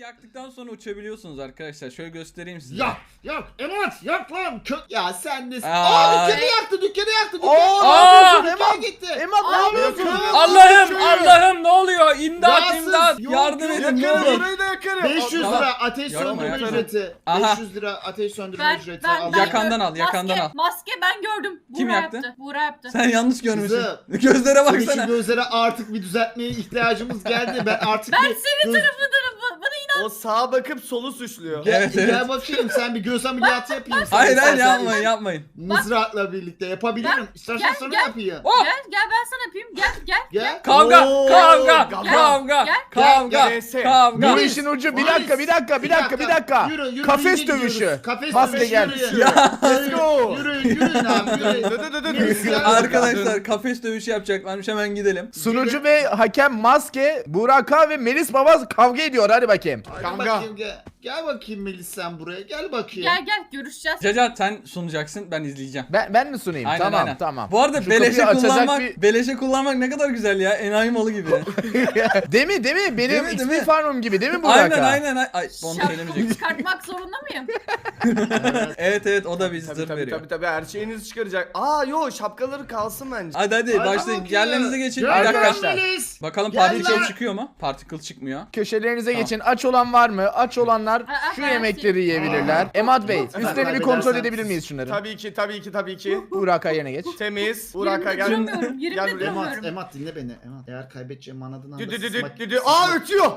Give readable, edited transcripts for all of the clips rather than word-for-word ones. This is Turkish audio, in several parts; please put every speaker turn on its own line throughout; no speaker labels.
yaktıktan sonra uçabiliyorsunuz arkadaşlar. Şöyle göstereyim size.
Yak Emat yak lan. Ya sen de.
Aa,
Dükkanı yaktı. Dükkanı gitti.
Emat ne yapıyorsun?
Allah'ım ne oluyor? İmdat
Yağsız,
imdat.
yok,
Yardım
yok,
edin ne
Yakarım
olur.
burayı da yakarım.
500
Tamam.
lira ateş
Yakma,
söndürme
yakma.
ücreti.
Aha.
500 lira ateş söndürme ücreti. Al.
Yakandan al, yakandan al.
Maske ben gördüm.
Kim
Buğra
yaktı?
yaptı. Buğra yaptı.
Sen yanlış görmüşsün.
Kızım.
Gözlere
Senin şu
baksana.
gözlere artık bir düzeltmeye ihtiyacımız geldi. Ben artık
Ben
bir
senin tarafındanım. Bana inan.
O sağa bakıp solu suçluyor.
Gel,
Evet, evet.
gel bakayım sen bir göz ameliyatı yapayım. sana.
Hayır
İstersen
yapmayın yapmayın.
Mızrakla birlikte yapabilirim. İstersen
Gel,
sana
gel.
yapayım.
Oh!
Gel ben sana yapayım. Gel.
Gel.
Kavga
Oo,
kavga
kavga.
kavga
Gel.
kavga
Gel.
kavga.
Bu işin ucu bir dakika.
Yürü,
Kafes
yürü,
dövüşü.
gidiyoruz. Kafes
Maske
dövüşü,
gel.
yürü.
Ya.
Let's go.
Yürüyün abi yürüyün. Neyse, gel.
Arkadaşlar kafes dövüşü yapacaklarmış, hemen gidelim.
Sunucu ve hakem Maske, Buraka ve Melis Baba kavga ediyor. Hadi bakayım.
Hadi bakayım, gel bakayım Melis sen buraya. Gel bakayım.
Gel görüşeceğiz.
Cacat sen sunacaksın, ben izleyeceğim.
Ben mi sunayım?
Aynen, aynen.
Tamam.
Bu arada
Şu
beleşe
kapıyı açacak
kullanmak, beleşe kullanmak ne kadar güzel ya. Enayi malı gibi.
Değil mi? Benim
Değil mi,
XP
değil mi?
farmım gibi değil mi Buraka?
aynen. Ay onu söylemeyecektim.
Çıkartmak zorunda mıyım?
Evet o da bir zırh
Tabii
veriyor.
her şeyinizi çıkaracak. Şapkaları kalsın bence.
Hadi
Hadi
başlayın.
bakayım.
Yerlerinize geçin.
Gel
Bir dakika.
arkadaşlar.
Melis.
Bakalım
Gel
particle
lan.
çıkıyor mu? Particle çıkmıyor.
Köşelerinize
Tamam.
geçin. Aç olan var mı? Aç olanlar şu
ben
yemekleri yiyebilirler. Emad Bey,
Ben
üstlerini bir kontrol
kaybedersem
edebilir miyiz şunları?
Tabii ki.
Buraka yerine geç.
Temiz. Buraka
Yerimde
gel.
duramıyorum.
Gel
Yerimde
buraya.
duramıyorum.
Emat dinle beni. Emat eğer kaybedeceğimi anladığın anda
Ötüyor.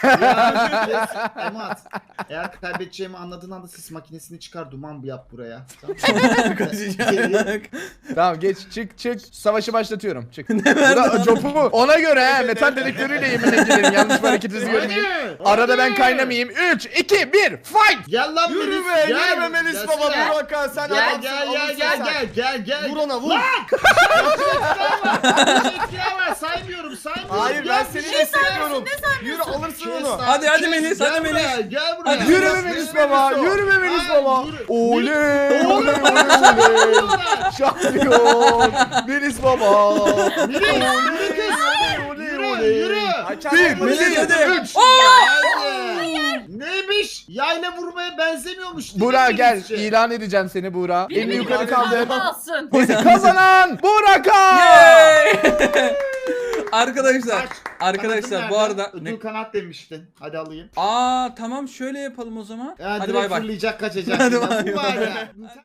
Emat eğer kaybedeceğimi anladığın anda sis makinesini çıkar duman yap buraya.
Kaçacak.
Tamam geç çık. Savaşı başlatıyorum. Çık. Burada copu ona göre he. Metal dedektörüyle yeminle gidelim. Yanlış bir hareketinizi görmeyeyim. Arada ben kaynamayayım. 3, 2, 1, fight!
Gel lan
Yürü
Melis,
be,
gel.
yürü be Melis
Gel,
baba.
gel.
Buraka sen
Gel
adamsın, alırsın sen.
gel.
Vur ona vur.
Var saymıyorum.
Hayır ben seni destekliyorum.
Ne
Yürü alırsın onu.
Hadi Melis, hadi Melis.
Gel buraya.
Hadi.
Yürü be Melis baba. Yürü be Melis baba.
Yürü.
Oley. Oley. Şampiyon. Melis baba.
Yürü.
Bir,
Melis hadi.
3.
Neymiş? Yayla vurmaya benzemiyormuş.
Buğra gel.
Melis'ciğim.
İlan edeceğim seni Buğra.
Biri
Elini
beni
yukarı kaldır.
alsın.
Kazanan Buraka.
Yay! Arkadaşlar
Kanatın
bu
nerede?
arada
Ödül kanat demiştin. Hadi alayım.
tamam şöyle yapalım o zaman.
Ya
Hadi
direkt
bay bay.
fırlayacak kaçacak.
Hadi
Ya,
bay
bu var
bay.
ya.